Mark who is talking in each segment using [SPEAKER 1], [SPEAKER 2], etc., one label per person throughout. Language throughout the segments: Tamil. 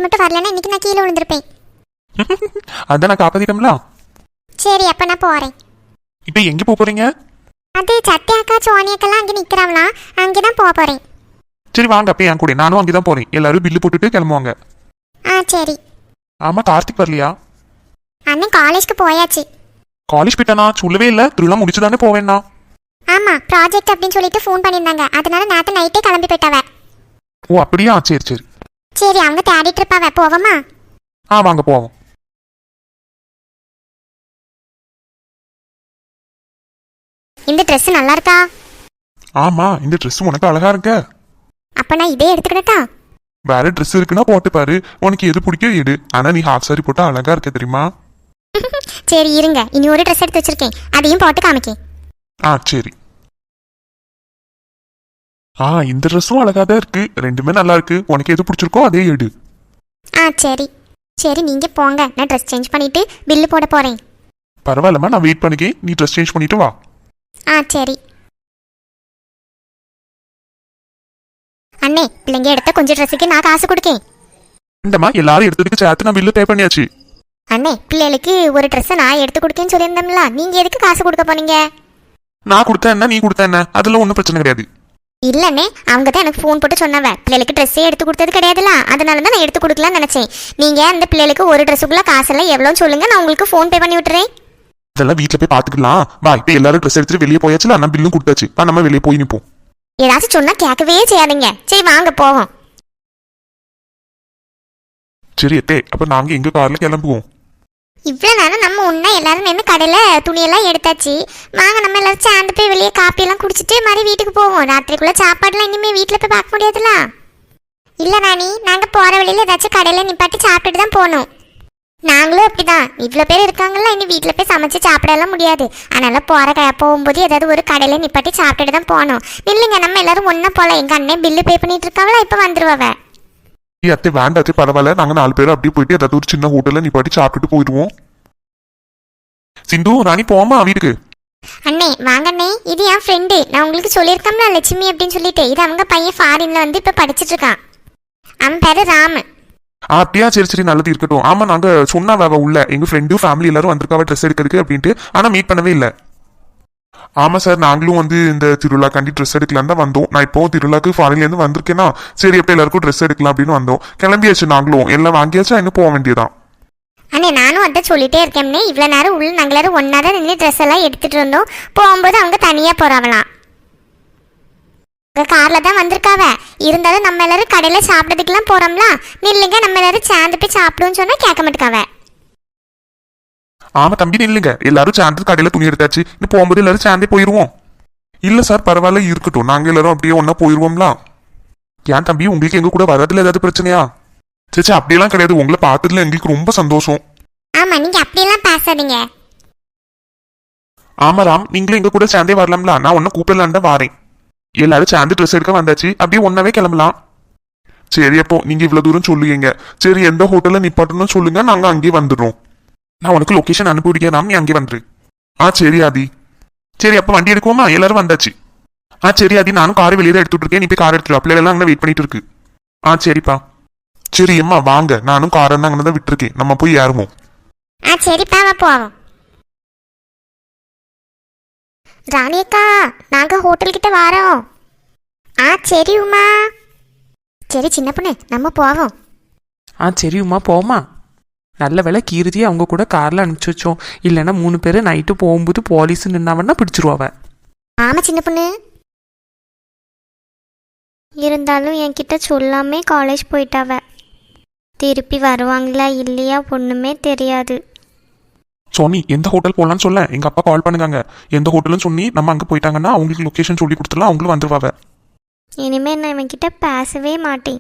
[SPEAKER 1] மட்டும் வரலன்னா இன்னைக்கு நான் கீழே விழுந்திருப்பேன்.
[SPEAKER 2] அதான் நான் காப்பாத்திட்டோம்ல.
[SPEAKER 1] சரி அப்ப நான் போறேன்.
[SPEAKER 2] இப்போ எங்க போறீங்க?
[SPEAKER 1] அது சத்யாக்கா சோனியாக்கெல்லாம் அங்கே நிற்கிறாங்களாம், அங்கே தான் போக போகிறேன்.
[SPEAKER 2] சரி வாங்க அப்போ என் கூட, நானும் அங்கே தான் போறேன். எல்லாரும் பில்லு போட்டுட்டு கிளம்புவாங்க.
[SPEAKER 1] சரி.
[SPEAKER 2] ஆமா கார்த்திக் வரலையா?
[SPEAKER 1] அண்ணன் காலேஜ்க்கு போயாச்சு.
[SPEAKER 2] காலேஜ் போயிட்டானா? சொல்லவே இல்லை. திருவிழா முடிச்சுதானே போவேன்னா?
[SPEAKER 1] ஆமா ப்ராஜெக்ட் அப்படின்னு சொல்லிட்டு ஃபோன் பண்ணியிருந்தாங்க, அதனால நேற்று நைட்டே கிளம்பி போயிட்டாவ.
[SPEAKER 2] ஓ அப்படியா? சரி சரி
[SPEAKER 1] சரி அவங்க தேடிட்டு இருப்பாவ, போவோமா?
[SPEAKER 2] வாங்க போவோம்.
[SPEAKER 1] இந்த ட்ரெஸ் நல்லா இருக்கா?
[SPEAKER 2] ஆமா இந்த ட்ரெஸ் உனக்கு அழகா இருக்க.
[SPEAKER 1] அப்ப நான் இதே எடுத்துக்கிட்டா?
[SPEAKER 2] வேற ட்ரெஸ் இருக்குன்னா போட்டு பாரு, உனக்கு எது பிடிக்கும் எடு. ஆனா நீ ஹாஃப் சாரி போட்டா அழகா இருக்க தெரியுமா?
[SPEAKER 1] சரி இருங்க, இனி ஒரு ட்ரெஸ் எடுத்து வச்சிருக்கேன், அதையும் போட்டு காமிக்கேன்.
[SPEAKER 2] சரி. இந்த ட்ரெஸ்ஸும் அழகா தான் இருக்கு, ரெண்டுமே நல்லா இருக்கு. உனக்கு எது பிடிச்சிருக்கோ அதே எடு.
[SPEAKER 1] சரி சரி நீங்க போங்க, நான் ட்ரெஸ் சேஞ்ச் பண்ணிட்டு பில்லு போட போறேன்.
[SPEAKER 2] பரவாயில்லம்மா, நான் வெயிட் பண்ணிக்கேன். நீ ட்ரெஸ் சேஞ்ச் பண்ணிட்டு வா.
[SPEAKER 1] சரி அண்ணே, பிள்ளைங்க எடுத்த கொஞ்சம் ட்ரெஸ்ஸுக்கு நான் காசு கொடுக்கேன்.
[SPEAKER 2] இந்தம்மா எல்லாரும் எடுத்ததுக்கு சேர்த்து நான் பில்லு பே பண்ணியாச்சு.
[SPEAKER 1] அண்ணே பிள்ளைகளுக்கு ஒரு ட்ரெஸ்ஸை நான் எடுத்து கொடுக்கேன்னு சொல்லியிருந்தோம்ல, நீங்க எதுக்கு காசு கொடுக்க போனீங்க?
[SPEAKER 2] நான் கொடுத்தேன் என்ன, நீ கொடுத்த என்ன, அதெல்லாம் ஒன்றும் பிரச்சனை கிடையாது.
[SPEAKER 1] இல்லண்ணே, அவங்க தான் எனக்கு ஃபோன் போட்டு சொன்னவ, பிள்ளைகளுக்கு ட்ரெஸ்ஸே எடுத்து கொடுத்தது கிடையாதுல, அதனால தான் நான் எடுத்து கொடுக்கலான்னு நினைச்சேன். நீங்க அந்த பிள்ளைகளுக்கு ஒரு ட்ரெஸ்ஸுக்குள்ள காசெல்லாம் எவ்வளோன்னு சொல்லுங்க, நான் உங்களுக்கு ஃபோன் பே பண்ணி விட்டுறேன்.
[SPEAKER 2] இதெல்லாம் வீட்டில் போய் பார்த்துக்கலாம் வா. இப்போ எல்லாரும் ட்ரெஸ் எடுத்துட்டு வெளியே போயாச்சுல, நான் பில்லும் கொடுத்தாச்சு. நம்ம வெளியே போய் நிற்போம்.
[SPEAKER 1] ஏதாச்சும் சொன்னா கேட்கவே செய்யாதீங்க. சரி வாங்க போவோம்.
[SPEAKER 2] சரி அத்தே, அப்போ நாங்கள் எங்கள் காரில் கிளம்புவோம்.
[SPEAKER 1] இவ்வளோ நேரம் நம்ம ஒன்றா எல்லாரும் நின்று கடையில் துணியெல்லாம் எடுத்தாச்சு. வாங்க நம்ம எல்லாரும் சேர்ந்து போய் வெளியே காப்பியெல்லாம் குடிச்சிட்டு மாதிரி வீட்டுக்கு போவோம். ராத்திரிக்குள்ளே சாப்பாடுலாம் இனிமேல் வீட்டில் போய் பார்க்க முடியாதுல. இல்லை ராணி, நாங்கள் போகிற வழியில் ஏதாச்சும் கடையில் நிப்பாட்டி சாப்பிட்டுட்டு தான் போகணும். நாங்களும் அப்படிதான், இவ்வளோ பேர் இருக்காங்களா, இனி வீட்டில் போய் சமைச்சு சாப்பிடலாம் முடியாது. அதனால் போகும்போது ஏதாவது ஒரு கடையில் நிப்பாட்டி சாப்பிட்டுட்டு தான் போகணும். இல்லைங்க, நம்ம எல்லாரும் ஒன்றா போகலாம். எங்கள் அண்ணன் பில்லு பே பண்ணிட்டு இருக்காங்களா, இப்போ வந்துருவாவ.
[SPEAKER 2] அத்தை வேண்டாச்சு, பரவாயில்ல. நாங்கள் 4 பேர் அப்படியே போயிட்டு ஏதாவது ஒரு சின்ன ஹோட்டலில் நிப்பாட்டி சாப்பிட்டுட்டு போயிடுவோம். சிந்து ராணி போமா வீட்டுக்கு.
[SPEAKER 1] அண்ணே வாங்க அண்ணே, இது என் ஃப்ரெண்டு. நான் உங்களுக்கு சொல்லியிருக்கோம்ல லட்சுமி அப்படின்னு சொல்லிட்டு, இது அவங்க பையன் ஃபாரின்ல வந்து இப்போ படிச்சுட்டு இருக்கான். அவன் பேரு ராமு.
[SPEAKER 2] அப்படியா? சரி சரி நல்லது இருக்கட்டும். ஆமா நாங்க சொன்னாவ உள்ள எங்க ஃப்ரெண்டும் ஃபேமிலி எல்லாரும் வந்திருக்காவ ட்ரெஸ் எடுக்கிறதுக்கு அப்படின்ட்டு, ஆனா மீட் பண்ணவே இல்லை. ஆமா சார், நாங்களும் வந்து இந்த திருவிழாக்காண்டி ட்ரெஸ் எடுக்கலாம் தான் வந்தோம். நான் இப்போ திருவிழாக்கு ஃபாரின்ல இருந்து வந்திருக்கேன்னா, சரி எப்போ எல்லாருக்கும் ட்ரெஸ் எடுக்கலாம் அப்படின்னு வந்தோம். கிளம்பியாச்சு, நாங்களும் எல்லாம் வாங்கியாச்சா, இன்னும் போக வேண்டியதான்.
[SPEAKER 1] அண்ணே நானும் அதை சொல்லிட்டே இருக்கேன்னே, இவ்வளோ நேரம் உள்ள நாங்கள் எல்லாரும் ஒன்றா தான் நின்று ட்ரெஸ் எல்லாம் எடுத்துட்டு இருந்தோம். போகும்போது அவங்க தனியாக போறாங்களாம். கார்ல தான் வந்திருக்காவ. இருந்தாலும் நம்ம எல்லாரும் கடையில சாப்பிட்றதுக்கெல்லாம் போறோம்ல, நில்லுங்க நம்ம எல்லாரும் சேர்ந்து போய் சாப்பிடுவோம்னு சொன்னா கேட்க மாட்டேக்காவ.
[SPEAKER 2] ஆமா தம்பி நில்லுங்க, எல்லாரும் சேர்ந்து கடையில துணி எடுத்தாச்சு, இன்னும் போகும்போது எல்லாரும் சேர்ந்தே போயிருவோம். இல்ல சார் பரவாயில்ல இருக்கட்டும், நாங்க எல்லாரும் அப்படியே ஒன்னா போயிருவோம்ல. ஏன் தம்பி, உங்களுக்கு எங்க கூட வரதுல ஏதாவது பிரச்சனையா? சரி அப்படியெல்லாம் கிடையாது, உங்களை பார்த்ததுல எங்களுக்கு ரொம்ப சந்தோஷம்.
[SPEAKER 1] ஆமா நீங்க அப்படியெல்லாம் பேசாதீங்க.
[SPEAKER 2] ஆமா ராம், நீங்களும் எங்க கூட சேர்ந்தே வரலாம்ல, நான் ஒன்னும் கூப்பிடலான் தான் வாரேன். எல்லாரும் சேர்ந்து ட்ரெஸ் எடுக்க வந்தாச்சு, அப்படியே ஒன்னாவே கிளம்பலாம். சரி அப்போ நீங்க இவ்வளவு தூரம் சொல்லுவீங்க, சரி எந்த ஹோட்டல்ல நிப்பாட்டணும் சொல்லுங்க, நாங்க அங்கேயே வந்துடுறோம். நான் உனக்கு லொகேஷன் அனுப்பிவிடுறேன், நீ அங்கே வந்துரு. சரி ஆதி. சரி அப்போ வண்டி எடுக்குவோமா? எல்லாரும் வந்தாச்சு. சரி ஆதி, நானும் காரை வெளியே தான் எடுத்துட்டு இருக்கேன், நீ போய் கார் எடுத்துரு. பிள்ளைகள் அங்கே வெயிட் பண்ணிட்டு இருக்கு. சரிப்பா. சரி அம்மா வாங்க, நானும் காரை தான் அங்கே தான் விட்டுருக்கேன், நம்ம போய் ஏறுவோம்.
[SPEAKER 1] சரிப்பா போவோம். ராணியக்கா நாங்க ஹோட்டல் கிட்ட வரோம். சரி உமா. சரி சின்ன பொண்ணு நம்ம போவோம்.
[SPEAKER 3] சரி உமா போமா. நல்ல வேலை கீர்த்தியை அவங்க கூட காரில் அனுப்பிச்சி வச்சோம், இல்லைன்னா 3 பேர் நைட்டு போகும்போது போலீஸ் நின்னாவன்னா பிடிச்சிருவாவ.
[SPEAKER 1] ஆமா சின்ன பொண்ணு. இருந்தாலும் என்கிட்ட சொல்லாமே காலேஜ் போயிட்டாவ. திருப்பி வருவாங்களா இல்லையா ஒண்ணுமே தெரியாது.
[SPEAKER 2] சோனி எந்த ஹோட்டல் போகலான்னு சொல்ல, எங்க அப்பா கால் பண்ணுங்க. எந்த ஹோட்டல்னு சொன்னி நம்ம அங்கே போயிட்டாங்கன்னா அவங்களுக்கு லொக்கேஷன் சொல்லி கொடுத்துடலாம், அவங்களும் வந்துருவாங்க.
[SPEAKER 1] இனிமே நான் இவன்கிட்ட பேசவே மாட்டேன்.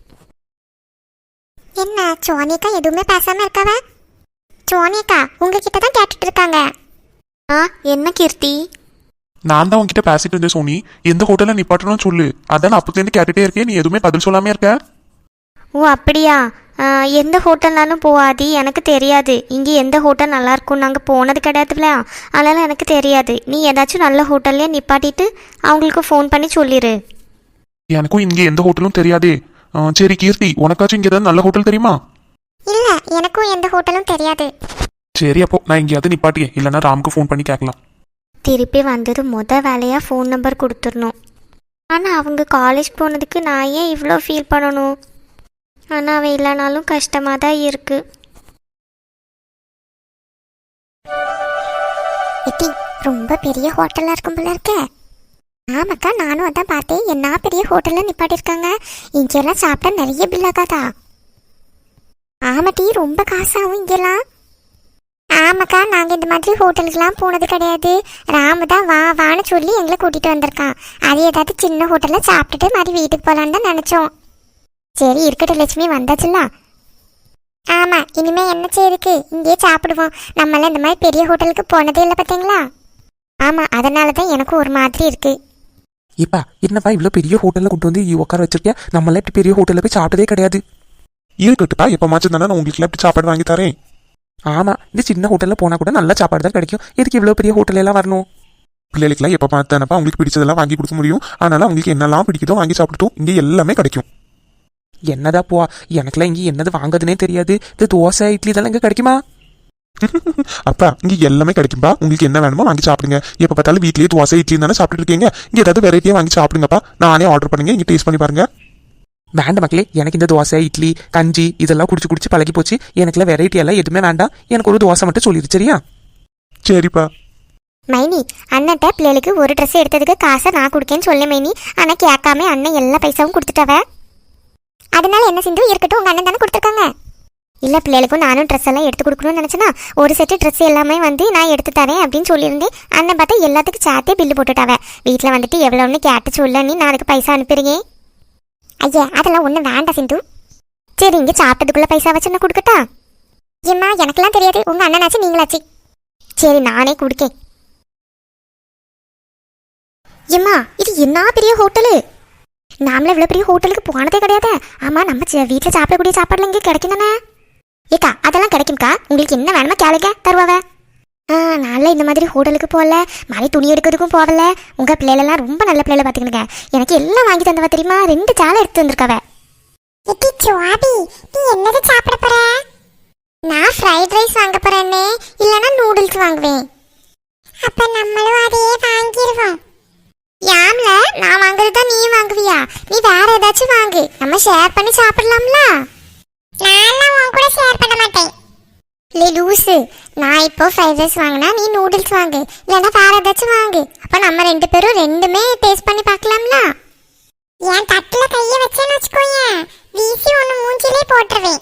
[SPEAKER 1] என்ன சோனியக்கா எதுவுமே பேசாம இருக்காவ? சோனியக்கா உங்ககிட்ட தான் கேட்டுட்டு இருக்காங்க. என்ன கீர்த்தி?
[SPEAKER 2] நான் தான் உங்ககிட்ட பேசிட்டு இருந்தேன் சோனி, எந்த ஹோட்டலில் நிப்பாட்டணும்னு சொல்லு. அதான் நான் அப்போதுலேருந்து கேட்டுட்டே இருக்கேன், நீ எதுவுமே பதில் சொல்லாமே இருக்க.
[SPEAKER 1] ஓ அப்படியா? எந்த ஹோட்டல்னாலும் போகாது, எனக்கு தெரியாது. இங்கே எந்த ஹோட்டல் நல்லா இருக்கும், நாங்கள் போனது கிடையாதுல, அதனால எனக்கு தெரியாது. நீ ஏதாச்சும் நல்ல ஹோட்டல்லையே நிப்பாட்டிட்டு அவங்களுக்கு ஃபோன் பண்ணி சொல்லிடு.
[SPEAKER 2] எனக்கும் இங்கே எந்த ஹோட்டலும் தெரியாதே. சரி கீர்த்தி, உனக்காச்சும் இங்கே ஏதாவது நல்ல ஹோட்டல் தெரியுமா?
[SPEAKER 1] இல்ல எனக்கும் எந்த ஹோட்டலும் தெரியாது.
[SPEAKER 2] சரி அப்போ நான் எங்கேயாவது நிப்பாட்டியே, இல்லைன்னா ராமுக்கு ஃபோன் பண்ணி கேட்கலாம்.
[SPEAKER 1] திருப்பி வந்தது வேலையாக ஃபோன் நம்பர் கொடுத்துடணும். ஆனால் அவங்க காலேஜ் போனதுக்கு நான் ஏன் இவ்வளோ ஃபீல் பண்ணணும்? ஆனால் அவன் இல்லைனாலும் கஷ்டமாக தான் இருக்கு. எட்டி ரொம்ப பெரிய ஹோட்டலாக இருக்கும் போல இருக்க. ஆமாக்கா, நானும் அதான் பார்த்தேன். என்ன பெரிய ஹோட்டலில் நிப்பாட்டிருக்காங்க. இங்கெல்லாம் சாப்பிட்டா நிறைய பில்லாகாதா? ஆமாட்டி, ரொம்ப காசாகும் இங்கெல்லாம். ஆமாக்கா, நாங்கள் இந்த மாதிரி ஹோட்டலுக்கெல்லாம் போனது கிடையாது. ராமு தான் வா வான்னு சொல்லி எங்களை கூட்டிகிட்டு வந்திருக்கான். அது ஏதாவது சின்ன ஹோட்டலில் சாப்பிட்டுட்டு மாதிரி வீட்டுக்கு போகலான்னு தான் நினச்சோம். சரி இருக்கட்டும் லட்சுமி, வந்தாச்சுல்ல. ஆமாம், இனிமேல் என்ன செய்யுதுக்கு, இங்கேயே சாப்பிடுவோம். நம்மளாம் இந்த மாதிரி பெரிய ஹோட்டலுக்கு போனதே இல்லை பார்த்தீங்களா? ஆமாம், அதனால தான் எனக்கும் ஒரு மாதிரி இருக்குது.
[SPEAKER 3] ஏப்பா என்னப்பா இவ்வளோ பெரிய ஹோட்டலில் கொண்டு வந்து உட்கார வச்சிருக்கியா? நம்மளாம் இப்படி பெரிய ஹோட்டலில் போய் சாப்பிட்டதே கிடையாது.
[SPEAKER 2] இருக்கட்டுப்பா, எப்போ மாச்சும் தானே நான் உங்களுக்கு இப்படி சாப்பாடு வாங்கி தரேன்.
[SPEAKER 3] ஆமாம், இந்த சின்ன ஹோட்டலில் போனால் கூட நல்ல சாப்பாடு தான் கிடைக்கும். எதுக்கு இவ்வளோ பெரிய ஹோட்டலெல்லாம் வரணும்?
[SPEAKER 2] பிள்ளைகளுக்குலாம் எப்போ பார்த்தானப்பா உங்களுக்கு பிடிச்சதெல்லாம் வாங்கி கொடுக்க முடியும். அதனால அவங்களுக்கு என்னெல்லாம் பிடிக்குதோ வாங்கி சாப்பிட்டுட்டோம். இங்கே எல்லாமே கிடைக்கும்.
[SPEAKER 3] என்னதா போ, எனக்குலாம் இங்கே என்னது வாங்குறதுனே தெரியாது. இந்த தோசை இட்லி இதெல்லாம் இங்கே கிடைக்குமா?
[SPEAKER 2] அப்பா இங்கே எல்லாமே கிடைக்கும்பா. உங்களுக்கு என்ன வேணுமோ வாங்கி சாப்பிடுங்க. எப்போ பார்த்தாலும் வீட்லேயே தோசை இட்லி தானே சாப்பிட்டு இருக்கீங்க. இங்கே ஏதாவது வெரைட்டியாக வாங்கி சாப்பிடுங்கப்பா. நானே ஆர்டர் பண்ணுங்க, இங்கே டேஸ்ட் பண்ணி பாருங்க.
[SPEAKER 3] வேண்டாம் மக்களே, எனக்கு இந்த தோசை இட்லி கஞ்சி இதெல்லாம் குடிச்சு குடிச்சு பழகி போச்சு. எனக்குலாம் வெரைட்டி எல்லாம் எதுவுமே வேண்டாம். எனக்கு ஒரு தோசை மட்டும் சொல்லிடு சரியா?
[SPEAKER 2] சரிப்பா.
[SPEAKER 1] மைனி, அண்ணன்ட்ட பிள்ளைகளுக்கு ஒரு ட்ரெஸ் எடுத்ததுக்கு காசை நான் கொடுக்கேன்னு சொல்லு மைனி. ஆனால் கேட்காம அண்ணன் எல்லா பைசாவும் கொடுத்துட்டவ. அதனால என்ன சிந்து, இருக்கட்டும், உங்கள் அண்ணன் தானே கொடுத்துருக்காங்க. இல்லை, பிள்ளைகளுக்கும் நானும் ட்ரெஸ் எல்லாம் எடுத்து கொடுக்கணும்னு நினச்சேன்னா ஒரு செட்டு ட்ரெஸ் எல்லாமே நான் எடுத்து தரேன் அப்படின்னு சொல்லியிருந்தேன். அண்ணன் பார்த்தா எல்லாத்துக்கும் சேர்த்தே பில்லு போட்டுட்டாவ. வீட்டில் வந்துட்டு எவ்வளோன்னு கேட்டு சொல்ல நீ நான் அதுக்கு பைசா அனுப்பிடுங்க. ஐயா அதெல்லாம் ஒன்றும் வேண்டாம் சிந்து. சரி, இங்கே சாப்பிட்டதுக்குள்ளே பைசா வச்சு நான் கொடுக்கட்டா? ஏம்மா எனக்கெல்லாம் தெரியாது, உங்கள் அண்ணனாச்சு நீங்களாச்சு. சரி நானே கொடுக்கேன். ஏம்மா இது என்ன பெரிய ஹோட்டலு? நாமளும் இவ்வளோ பெரிய ஹோட்டலுக்கு போனதே கிடையாது. ஆமாம், நம்ம வீட்டில் சாப்பிடக்கூடிய சாப்பாடுலாம் இங்கே கிடைக்கும் தானே? ஏக்கா அதெல்லாம் கிடைக்கும்க்கா, உங்களுக்கு என்ன வேணுமோ கேளுங்க தருவாவ. நான்லாம் இந்த மாதிரி ஹோட்டலுக்கு போகல, மாதிரி துணி எடுக்கிறதுக்கும் போகல. உங்கள் பிள்ளைகளெல்லாம் ரொம்ப நல்ல பிள்ளைகளை பார்த்துக்கணுங்க. எனக்கு எல்லாம் வாங்கி தந்தவ தெரியுமா? 2 சேலை எடுத்து வந்திருக்காவ. நீ என்னது சாப்பிட போற? நான் ஃப்ரைட் ரைஸ் வாங்க போறேன்னே, இல்லைன்னா நூடுல்ஸ் வாங்குவேன். அப்ப நம்மளும் அதையே வாங்கிடுவோம். யாம்ல நான் வாங்குறது தான் நீ வாங்குவியா? நீ வேற ஏதாச்சும் வாங்கு, நம்ம ஷேர் பண்ணி சாப்பிடலாம்ல. நான் உன் கூட ஷேர் பண்ண மாட்டேன். இல்லை லூசு, நான் இப்போ ஃப்ரைட் ரைஸ் வாங்கினா நீ நூடுல்ஸ் வாங்கு, இல்லைன்னா வேற ஏதாச்சும் வாங்கு. அப்போ நம்ம 2 பேரும் ரெண்டுமே டேஸ்ட் பண்ணி பார்க்கலாம்ல. என் தட்டில் கையை வச்சேன்னு வச்சுக்கோயேன், வீசி ஒன்று மூஞ்சிலே போட்டுருவேன்.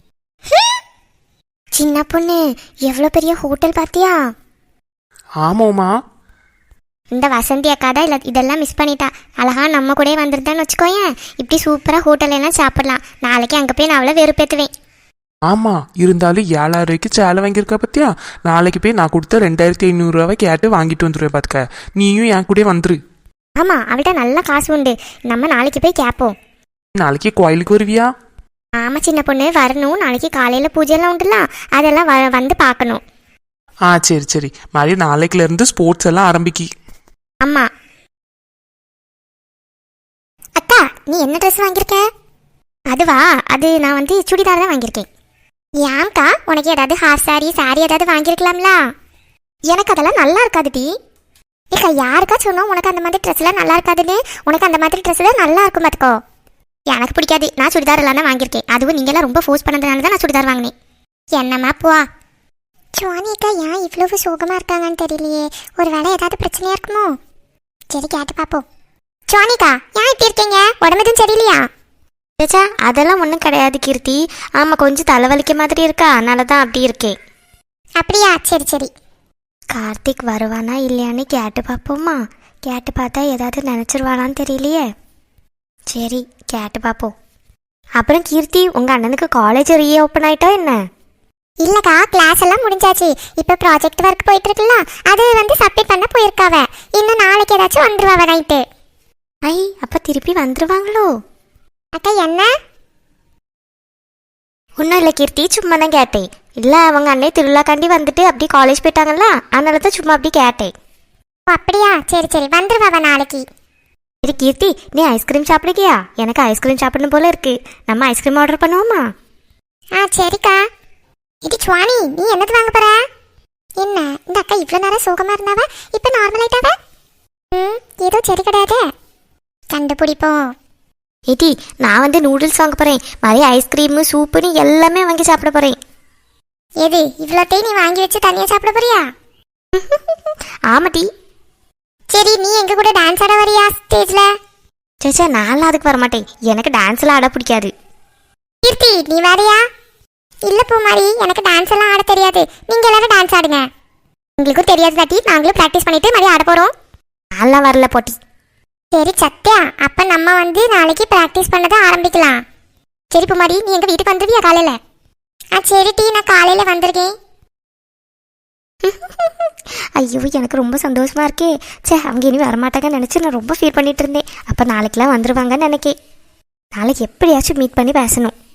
[SPEAKER 1] சின்ன பொண்ணு, எவ்வளோ பெரிய ஹோட்டல் பார்த்தியா?
[SPEAKER 3] ஆமாம்மா.
[SPEAKER 1] இந்த வசந்தி அக்கா தான் இல்லை இதெல்லாம் மிஸ் பண்ணிட்டா. அழகா நம்ம கூட வந்துருந்தான்னு வச்சுக்கோயேன், இப்படி சூப்பராக ஹோட்டல் எல்லாம் சாப்பிடலாம். நாளைக்கு அங்கே போய் நான் அவ்வளோ வெறுப்பேற்றுவேன்.
[SPEAKER 3] ஆமாம், இருந்தாலும் 7,000 ரூபாய்க்கு சேலை வாங்கியிருக்கா பத்தியா? நாளைக்கு போய் நான் கொடுத்த 2,500 ரூபாய் கேட்டு வாங்கிட்டு வந்துடுவேன் பார்த்துக்க. நீயும் என் கூட வந்துரு.
[SPEAKER 1] ஆமாம், அவள்கிட்ட நல்ல காசு உண்டு. நம்ம நாளைக்கு போய் கேட்போம்.
[SPEAKER 3] நாளைக்கு கோயிலுக்கு வருவியா?
[SPEAKER 1] ஆமாம் சின்ன பொண்ணு, வரணும். நாளைக்கு காலையில் பூஜையெல்லாம் உண்டுலாம், அதெல்லாம் வந்து பார்க்கணும்.
[SPEAKER 3] சரி சரி, மாதிரி நாளைக்குலேருந்து ஸ்போர்ட்ஸ் எல்லாம் ஆரம்பிக்கி.
[SPEAKER 1] ஆமாம். அக்கா நீ என்ன ட்ரெஸ் வாங்கியிருக்க? அதுவா, அது நான் சுடிதார் தான் வாங்கியிருக்கேன். ஏன்க்கா, உனக்கு ஏதாவது ஹாஃப் சாரி ஏதாவது வாங்கியிருக்கலாம்ல? எனக்கு அதெல்லாம் நல்லா இருக்காது டி. ஏக்கா யாருக்கா சொன்னோம் உனக்கு அந்த மாதிரி ட்ரெஸ்லாம் நல்லா இருக்காதுன்னு? உனக்கு அந்த மாதிரி ட்ரெஸ்லாம் நல்லா இருக்கும் பார்த்துக்கோ. எனக்கு பிடிக்காது, நான் சுடிதார் எல்லாம் தான் வாங்கியிருக்கேன். அதுவும் நீங்களாம் ரொம்ப ஃபோர்ஸ் பண்ணதுனால தான் நான் சுடிதார் வாங்கினேன். என்னம்மா போவா. சுவானிக்கா ஏன் இவ்வளவு சோகமாக இருக்காங்கன்னு தெரியலையே. ஒரு வேளை ஏதாவது பிரச்சனையாக இருக்குமோ? சரி கேட்டு பார்ப்போம். சுவானிக்கா ஏன் இப்படி இருக்கீங்க? உடம்பு எதுவும் சரியில்லையா? சேச்சா அதெல்லாம் ஒன்றும் கிடையாது கீர்த்தி. ஆமாம், கொஞ்சம் தலைவலிக்க மாதிரி இருக்கா, அதனால தான் அப்படி இருக்கேன். அப்படியா? சரி சரி. கார்த்திக் வருவானா இல்லையான்னு கேட்டு பார்ப்போம்மா. கேட்டு பார்த்தா ஏதாவது நினச்சிருவானான்னு தெரியலையே. சரி கேட்டு பார்ப்போம். அப்புறம் கீர்த்தி, உங்கள் அண்ணனுக்கு காலேஜ் ரீஓப்பன் ஆகிட்டா என்ன? இல்லைக்கா, கிளாஸ் எல்லாம் முடிஞ்சாச்சு. இப்போ ப்ராஜெக்ட் ஒர்க் போயிட்டு இருக்குல்ல, அது சப்மிட் பண்ண போயிருக்காவ. இன்னும் நாளைக்கு ஏதாச்சும் வந்துருவாவ நைட்டு. ஐ, அப்போ திருப்பி வந்துருவாங்களோ? அக்கா என்ன? ஒன்றும் இல்லை கீர்த்தி, சும்மா தான் கேட்டேன். இல்லை, அவங்க அண்ணே திருவிழாக்காண்டி வந்துட்டு அப்படி காலேஜ் போயிட்டாங்கல்ல, அதனால தான் சும்மா அப்படி கேட்டேன். அப்படியா? சரி சரி, வந்துருவாவ நாளைக்கு. சரி கீர்த்தி, நீ ஐஸ்கிரீம் சாப்பிடுக்கியா? எனக்கு ஐஸ்கிரீம் சாப்பிடணும் போல இருக்கு. நம்ம ஐஸ்கிரீம் ஆர்டர் பண்ணுவோமா? சரிக்கா. இது சுவாணி, நீ என்னது வாங்க போற? என்ன இந்த அக்கா இவ்வளோ நேரம் சோகமா இருந்தாவ, இப்போ நார்மல் ஆயிட்டாவ? ஏதோ சரி கிடையாது, கண்டுபிடிப்போம். ஏடி, நான் வந்து நூடுல்ஸ் வாங்க போறேன். மாதிரி ஐஸ்கிரீமு சூப்புன்னு எல்லாமே வாங்கி சாப்பிட போறேன். எது இவ்வளோத்தையும் நீ வாங்கி வச்சு தனியாக சாப்பிட போறியா? ஆமாட்டி. சரி, நீ எங்க கூட டான்ஸ் ஆட வரியா ஸ்டேஜ்ல? சேச்சா, நான்லாம் அதுக்கு வரமாட்டேன். எனக்கு டான்ஸ்லாம் ஆட பிடிக்காது. கீர்த்தி, நீ வேறையா? இல்ல பூமாரி, எனக்கு டான்ஸ் எல்லாம் ஆட தெரியாது. நீங்க எல்லாரும் டான்ஸ் ஆடுங்க. உங்களுக்கும் தெரியாது தாட்டி, நாங்களும் ப்ராக்டிஸ் பண்ணிட்டு மாதிரி ஆட போறோம். நான்லாம் வரல போட்டி. சரி சத்யா, அப்ப நம்ம வந்து நாளைக்கு ப்ராக்டிஸ் பண்ணதை ஆரம்பிக்கலாம். சரி பூமாரி, நீ எங்க வீட்டுக்கு வந்துருவியா காலையில? சரி டீ, நான் காலையில வந்திருக்கேன். ஐயோ, எனக்கு ரொம்ப சந்தோஷமா இருக்கே. சே, அவங்க இனி வரமாட்டாங்கன்னு நினச்சி நான் ரொம்ப ஃபீல் பண்ணிட்டு இருந்தேன். அப்போ நாளைக்கெல்லாம் வந்துடுவாங்கன்னு நினைக்கேன். நாளைக்கு எப்படியாச்சும் மீட் பண்ணி பேசணும்.